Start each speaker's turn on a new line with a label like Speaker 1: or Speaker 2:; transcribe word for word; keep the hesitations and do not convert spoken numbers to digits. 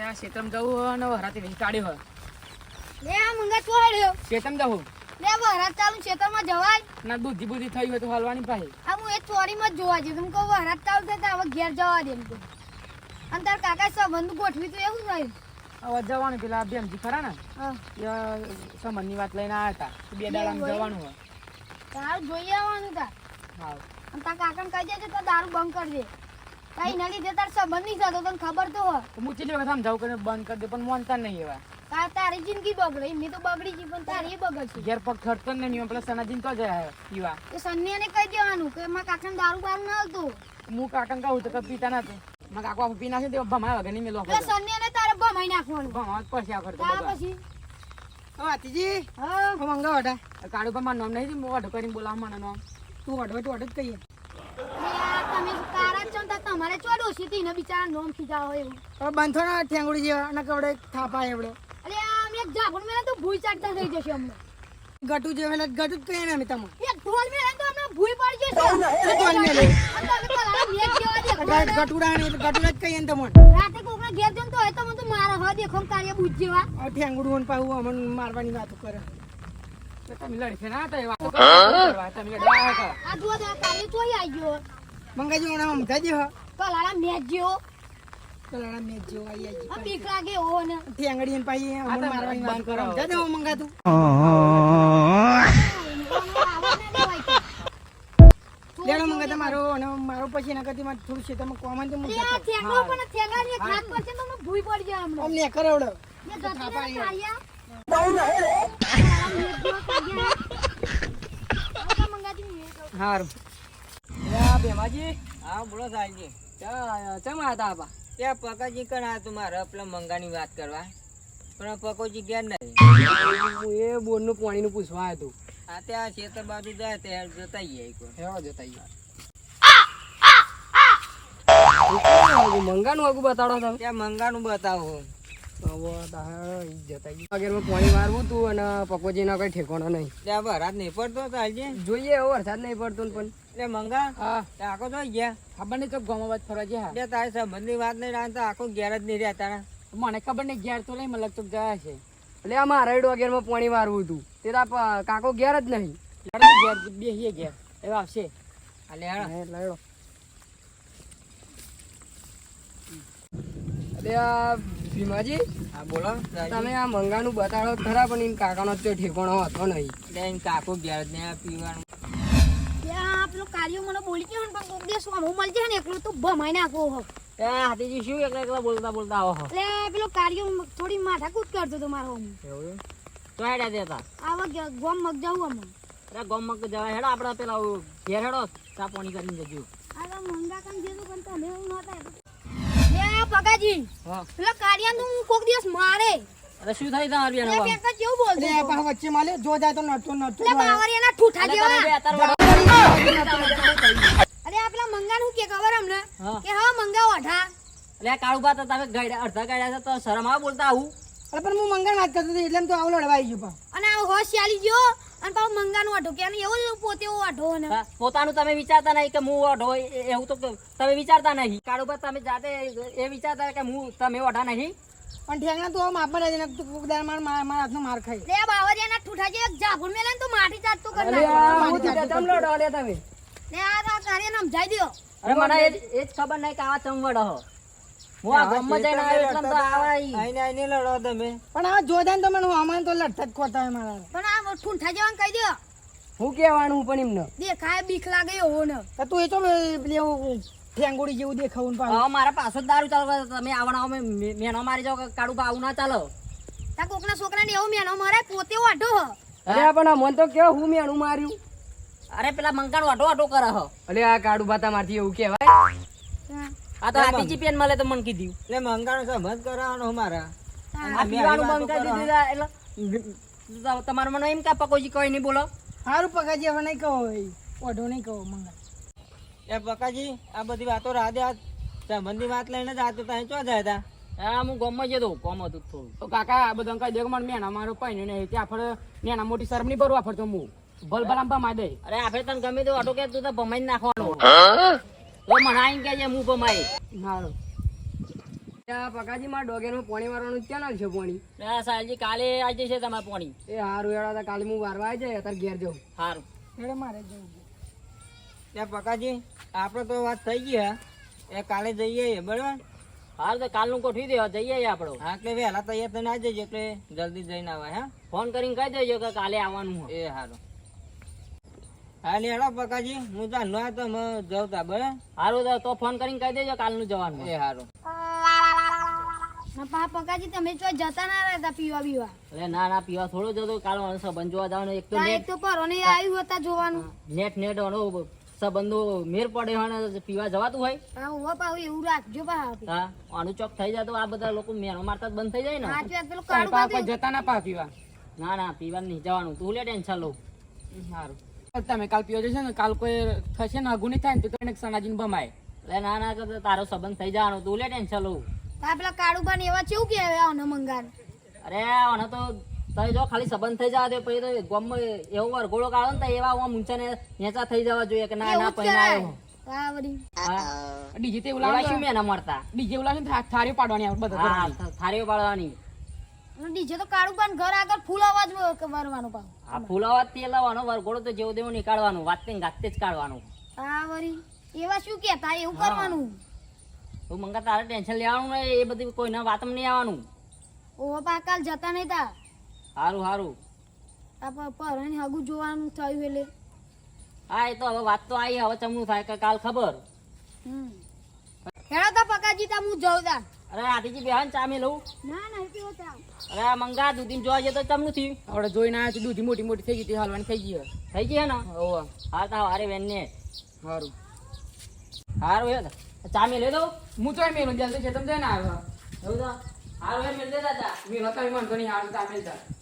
Speaker 1: આ શેતમ જવું અને વરાતી વેચી કાઢ્યો હોય
Speaker 2: લે આ મંગા ચોડ્યો
Speaker 1: શેતમ જવું
Speaker 2: લે વરાત ચાલુ ખેતરમાં જવાય
Speaker 1: ના બુદ્ધિ બુદ્ધિ થઈ હોય તો હાલવાની પાસે
Speaker 2: આ હું એ ચોરીમાં જ જોવા જઉં કહું વરાત ચાલુ થાય તો હવે ઘેર જવા દે એમ તો અને તાર કાકા સંબંધ ગોઠવી તો એવું થયું
Speaker 1: હવે જવાનું પેલા બેનજી ખરા ને
Speaker 2: હા
Speaker 1: સંબંધની વાત લઈને આવ્યા હતા બે દાડામાં જવાનું હોય
Speaker 2: તારું જોઈ આવવાનું તાર
Speaker 1: હા
Speaker 2: અને તાર કાકાને કહી દેજે તો દારૂ બંધ કરી દે કઈ એના લીધે તાર સંબંધ નહીં થતો તને ખબર તો હોય
Speaker 1: હું ચીલી વખત સમજાવું કે બંધ કરી દે પણ માનતા નહીં એવા
Speaker 2: તાર તારી જિંદગી બગડે એમની તો બગડી ગઈ પણ તારી એ બગડશે
Speaker 1: ઘેર પગ ખર્ચતો જ નહીં પેલા સનાજીન તો જાય પીવા
Speaker 2: એ સન્યાને કહી દેવાનું કે મારા કાકાને દારૂ બારું ના આવતું
Speaker 1: હું કાકા કહું તો કઈ પીતા નથી મારા કાકો પી નાખે તો ભમાય વગર નહીં મેલો
Speaker 2: એટલે સન્યાને તારે ભમાઈ નાખવાનું
Speaker 1: ભમાવા જ પડશે આ કરતો
Speaker 2: ત્યાર
Speaker 1: બધા
Speaker 2: પછી
Speaker 3: વાતીજી
Speaker 2: હા
Speaker 3: હું મંગા વડા
Speaker 1: કાળુ પર મારું નામ નહીં હું ઓઢો કરીને બોલાવું મને નામ
Speaker 3: તું વડો તો વડો જ કહીએ
Speaker 2: યાર તમે કારા છો ને તમારે ચોડો છે તીને બિચારા નોમ ખીજાવ હોય એવું
Speaker 3: હવે બંધો ના ઠેંગુડી જેવા અને કવડે થાપા એવડે
Speaker 2: અરે આમ એક જાગુણ મેલે તો ભૂઈ ચાટતા થઈ જશે અમને
Speaker 3: ગટુ જે વેલા ગટુ જ કહીએ ને અમે તમે
Speaker 2: એક ઢોલ મેલે તો અમને ભૂઈ પડી જશે
Speaker 3: ઢોલ મેલે?
Speaker 2: અને તમે પેલા મેચ જેવા દેખો
Speaker 3: ગટુડા ને ગટુડા જ કહીએ ને તમને
Speaker 2: રાતે કોકના ઘેર જમ તો હોય તો મને તો મારા હ દેખો ને કાર્ય બુજ જેવા
Speaker 3: હવે ઠેંગુડું ને પાવું અમને મારવાની વાતો કરે
Speaker 1: તમે લડશે ના તો એ વાતો કરવા તમે લડવા કરો
Speaker 2: આ જુઓ તો આ કાર્ય ચોઈ આવી ગયો
Speaker 3: મંગાજી મને સમજા દે હ
Speaker 2: પેલા મેચ જેવો
Speaker 3: તો લડા મેચ જેવો આવી આવી
Speaker 2: આ બીક લાગે એવો ને
Speaker 3: ઠેંગડી ને પાઈ અમને મારવાની વાતો કરે સમજા દે હું મંગા તું લેડો મંગા તમારો અને મારો પછી એના કરતી મારે થોડું છે તમે કોમન તો
Speaker 2: અરે આ થેગડો પણ થેગાની એક હાથ પર છે તો મને ભૂઈ પડી જાય હમણાં
Speaker 3: અમને કરાવડો
Speaker 2: મેં ગતી ને કાર્યા
Speaker 1: હારું યા બેમાજી હા બોલો સાહેબજી ચા ચમ આતા આપા
Speaker 4: ત્યાં પકાજી કણ આ મારે પેલા મંગાની વાત કરવા પણ પકોજી ગયા નહીં
Speaker 1: હું એ બોરનું પાણીનું પૂછવા આવ્યો
Speaker 4: આ ત્યાં ખેતર બાજુ જાય ત્યાં જતા આવીએ એક વાર.
Speaker 1: હેવા જતા મંગાનું આગું બતાડો તમે
Speaker 4: ત્યાં મંગાનું બતાવો
Speaker 1: વગેરેમાં પાણી મારવું તું અને પકોજી ના કઈ ઠેકાણો નહીં
Speaker 4: ત્યાં વરાત નહીં પડતો ચાલજે
Speaker 1: જોઈએ એવો વરસાદ નહીં પડતો ને પણ
Speaker 4: એટલે મંગા
Speaker 1: હા
Speaker 4: ત્યાં આખો જોઈ ગયા
Speaker 1: ખબર નહીં તો ગામમાં વાત ફરવા ગયા
Speaker 4: એટલે તારી સંબંધની વાત નહીં રાંધતા આખો ઘેર જ નહીં રહ્યા તારા
Speaker 1: મને ખબર નહીં ઘેર તો નહીં મને લગતો ગયા છે એટલે આ મારા વગેરેમાં પાણી મારવું હતું તે તો આ કાકો ઘેર જ નહીં ઘેર બેસીએ ઘેર એવા આવશે
Speaker 4: એટલે હેડો
Speaker 1: લડો એટલે આ ભીમાજી
Speaker 4: હા બોલો
Speaker 1: તમે આ મંગાનું બતાડો ખરા પણ એમ કાકાનો તો ઠેકાણો હતો નહીં
Speaker 4: એટલે એને કાકો ઘેર જ નહીં આ પીવાનું
Speaker 2: ત્યાં પેલો કાર્યો મને બોલી ગયો ને પણ કોક દિવસ આમ મળી જાય ને એકલો તો ભમાઈ નાખો હો
Speaker 4: ત્યાં હાથીજી શું એકલા એકલા બોલતા બોલતા આવો હો
Speaker 2: એટલે પેલો કાર્યો થોડી માથાકૂટ કરતો હતો મારો આમ.
Speaker 4: એવું તો હેડા દેતા
Speaker 2: આવા ગ- ગોમ મગ જાઉં અમે
Speaker 4: અરે ગોમક જવા હેડા આપણે પેલા ઘેર હેડો ચા પાણી કરીને જજો
Speaker 2: આ તો મંગા કામ જેવું પણ તમે એવું નહોતા લે પગાજી
Speaker 4: હા
Speaker 2: પેલો કાર્યાને તો હું કોક દિવસ મારે
Speaker 4: અરે શું થઈ તમારી
Speaker 2: એટલે
Speaker 4: બેન
Speaker 2: પેકા કેવું બોલતો
Speaker 3: અરે પાછા વચ્ચે માલે જો જાય તો નડતો નડતો
Speaker 2: એટલે બાવરિયાના ઠૂઠા જેવા
Speaker 4: અત્યારે
Speaker 2: અરે આ પેલા મંગાનું કે ખબર અમને
Speaker 4: હા.
Speaker 2: કે હા મંગા ઓઢા
Speaker 4: એટલે કાળુ બા તો તમે ગાડ્યા અડધા ગાડ્યા તો શરમ આવે બોલતા આવું
Speaker 3: અરે પણ હું મંગળ વાત કરતો હતો એટલે એમ તો આવું લડવાઈ ગયો પા
Speaker 2: અને આ હોશ ચાલી ગયો અને પાછો મંગાનું ઓઢો કે અને એવો જ પોતે એવો ઓઢો ને
Speaker 4: હા, પોતાનું તમે વિચારતા નહીં કે હું ઓઢો એ- એવું તો તમે વિચારતા નહીં કાળુ બા તમે જાતે એ વિચારતા કે હું તમે ઓઢા નહીં
Speaker 3: પણ ઠેંગણા તું આમ આપવા રહે તું કોક દાડે માર માર મારા હાથનો માર ખાઈ
Speaker 2: લે બાવરિયાના ઠૂઠા જે જાગુણ મેલે ને તો માટી ચાટતો કરી
Speaker 1: અરે
Speaker 2: નાખે.
Speaker 1: આ હું તો ચમ લડો લે તમે
Speaker 2: લે આ તો કાર્યને સમજાઈ દ્યો
Speaker 4: અરે મને એ જ- એ જ ખબર નહીં કે આવા ચમવડ હો હું આ ગામમાં જઈને આવ્યો એટલે તો આવા ઈ.
Speaker 3: આઈને આઈને લડો તમે પણ આ જો જાય ને તો મને આમાં તો લડતા જ ખોતા હોય મારા
Speaker 2: પણ આ ઠૂઠા જેવાને કહી દ્યો
Speaker 1: હું કહેવાનું પણ એમને
Speaker 2: દેખાય બીક લાગે એવો ને
Speaker 3: તો તું એ તો પેલું ઠેંગુડી જેવું દેખાવું પાછું
Speaker 4: હવે મારા પાછો જ દારૂ ચાલુ કરે. તમે આવવાના અમે મે- મેનો મારી જાઓ કે કાળુ બા આવું ના ચાલો
Speaker 2: તા કોકના છોકરાને એવો મેનો મારે પોતે ઓઢો હ
Speaker 1: અરે પણ આ મન તો કેવો હું મેણું માર્યું
Speaker 4: અરે પેલા મંકાનો આટો આટો કરે હો
Speaker 1: અલે આ કાળુ બાતા મારથી એવું કહેવાય
Speaker 4: આ તો હાથીજી પેન મળે તો મને કીધું
Speaker 3: એટલે મંગાનો સમજ કરાવવાનો મારા
Speaker 4: આ પીવાનું બંધ કરી દીધું તા એટલે તમારું મને એમ કે પકોજી કોઈ નહીં બોલો
Speaker 3: સારું પગાજી હવે નહીં કહો ઓઢો નહીં કહો મંગા
Speaker 4: એ પકાજી આ બધી વાતો રાધે આ સંબંધી વાત લઈને જ આતો ત્યાં ચો જાય તા હા હું ગામમાં જતો કોમ હતું થોડું
Speaker 1: તો કાકા આ બધા કઈ દેખ મને મેણા મારો પાઈ ને ત્યાં ફરે મેણા મોટી શરમ નહીં ભરવા ફરતો હું ભલ ભલામ પા માદે
Speaker 4: અરે આપણે તને ગમે તો આટો કે તું તો ભમાઈ નાખવાનો તો મને આઈને કે હું ભમાઈ
Speaker 1: હારું આ પકાજી મારા ડોગેરમાં પાણી વારવાનું ક્યાં નાખશે પાણી?
Speaker 4: ના સાહેબજી કાલે આવી જશે તમારે પાણી.
Speaker 1: એ હારું હેડા તા કાલે હું વારવા આવી જાય અત્યારે ઘેર જાઉં.
Speaker 4: સારું
Speaker 3: હેડો મારે જવું છે.
Speaker 4: ત્યાં પકાજી આપણે તો વાત થઈ ગઈ હે એ કાલે જઈએ બરાબર. હાલ તો કાલનું ગોઠવી દેવા જઈએ આપણો. હા એટલે વહેલા તૈયાર થઈને આવી જજો એટલે જલ્દી જઈને આવાય. હા ફોન કરીને કહી દેજો કે કાલે આવવાનું હોય. એ સારું. હા લે હેડો પકાજી હું તો ન તો જવું તા બરાબર. સારું તો ફોન કરીને કહી દેજો કાલનું જવાનું. એ સારું.
Speaker 2: ના પા પકાજી તમે જો જતા ના રહેતા પીવા બીવા.
Speaker 4: અરે ના ના પીવા થોડું જતો કાલ સંબંધ જોવા જવાનું. એક તો
Speaker 2: તા એક તો પરોને આવ્યું હતા જોવાનું.
Speaker 4: નેટ નેટ સંબંધો મેર પડે હોય પીવા જવાતું હોય.
Speaker 2: હા ઉભો પાવ એવું રાખજો પા.
Speaker 4: હા આનું ચોક થઈ જાય તો આ બધા લોકો મેરો મારતા જ બંધ થઈ જાય ને.
Speaker 2: હાથ વાત પેલું કાળું
Speaker 1: પાપા
Speaker 2: બાંધ્યું.
Speaker 1: જતા ના પા પીવા.
Speaker 4: ના ના પીવા નહીં જવાનું. તું લે ટેન્શન લઉં.
Speaker 1: સારું તમે કાલ પીવો જશો ને કાલ કોઈ થશે ને અઘું નહીં થાય ને તો એને સનાજીને ભમાય.
Speaker 4: એટલે ના ના તો તારો સંબંધ થઈ જવાનો. તું લે ટેન્શન લઉં.
Speaker 2: તા પેલા કાળું બાન એવા કેવું કે આને મંગાન.
Speaker 4: અરે આને તો તઈ જો ખાલી સંબંધ થઈ જવા દે પછી તો ગામમાં એવો વરઘોડો કાઢો ને તો એવા આમ ઊંચા ને નેચા થઈ જવા જોઈએ કે ના ના
Speaker 2: એવું જ
Speaker 4: પૈણા આવ્યો.
Speaker 2: કરાય. હા વળી.
Speaker 4: હા
Speaker 1: ડીજે તે
Speaker 4: એવા શું મેં ના મળતા.
Speaker 1: ડીજે ઉલા ને થાળી પાડવાની આપણે બધા
Speaker 4: હા
Speaker 1: ઘરની.
Speaker 4: થારીઓ પાડવાની.
Speaker 2: અને ડીજે તો કાળું બાન ઘર આગળ ફૂલ અવાજ વરવાનો પાવ.
Speaker 4: આ ફૂલાવા તે લાવવાનો વરઘોડો તો જેવો તેવો નીકાળવાનું. વાત ને ગાતે જ કાઢવાનું.
Speaker 2: હા વળી એવા શું કેતા એવું કરવાનું.
Speaker 4: તું મંગા તારે ટેન્શન લેવાનું નહીં. એ બધી કોઈના વાતમાં નહીં આવવાનું.
Speaker 2: ઓહો પા કાલ જતા નહીં તા.
Speaker 4: સારું સારું.
Speaker 2: આ પરોને હગું જોવાનું થયું એટલે.
Speaker 4: હા એ તો હવે વાત તો આવી. હવે ચમનું થાય કે કાલ ખબર.
Speaker 2: હમ હેડો તા પકાજી તા હું જઉં તા.
Speaker 4: અરે આટીજી બેહાન ચા મેં લઉં.
Speaker 2: ના ના પીવો તા.
Speaker 4: અરે આ મંગા દૂધી જોવા જઈએ તો ચમનું થયું.
Speaker 1: આપણે જોઈને આવ્યા દૂધી મોટી મોટી થઈ ગઈ તે હાલવાની થઈ ગઈ.
Speaker 4: થઈ ગઈ હે ને.
Speaker 1: હોવા
Speaker 4: હા તા હારે બેન ને
Speaker 1: સારું
Speaker 4: સારું હે ચા મેં લઈ દઉં.
Speaker 1: હું તો મેલો જલ્દી છે તમે જઈને આવ્યો
Speaker 4: એવું તો સારું હે મેં દે દાદા.
Speaker 1: મેલો તમે મન તો નહીં હારું તમે જા